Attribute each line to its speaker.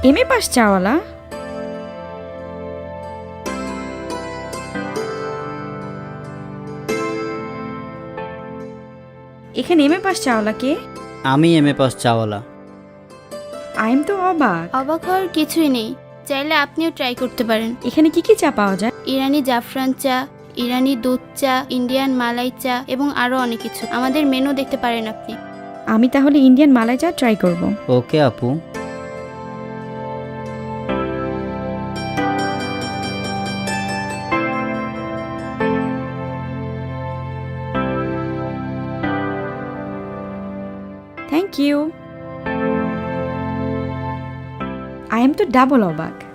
Speaker 1: MA pass চাওয়ালা? এখানে MA pass চাওয়ালা কে?
Speaker 2: আমি MA pass চাওয়ালা।
Speaker 1: I'm তো অবাক।
Speaker 3: অবাক হওয়ার কিছুই নেই, চাইলে আপনিও ট্রাই করতে পারেন।
Speaker 1: এখানে কি কি চা পাওয়া যায়?
Speaker 3: ইরানি জাফরান চা, ইরানি দুধ চা, ইন্ডিয়ান মালাই চা এবং আরও অনেক কিছু। আমাদের মেনু দেখতে পারেন আপনি।
Speaker 1: আমি তাহলে ইন্ডিয়ান মালাই চা ট্রাই করব।
Speaker 2: ওকে আপু।
Speaker 1: Thank you. আই এম তো ডাবল অবাক।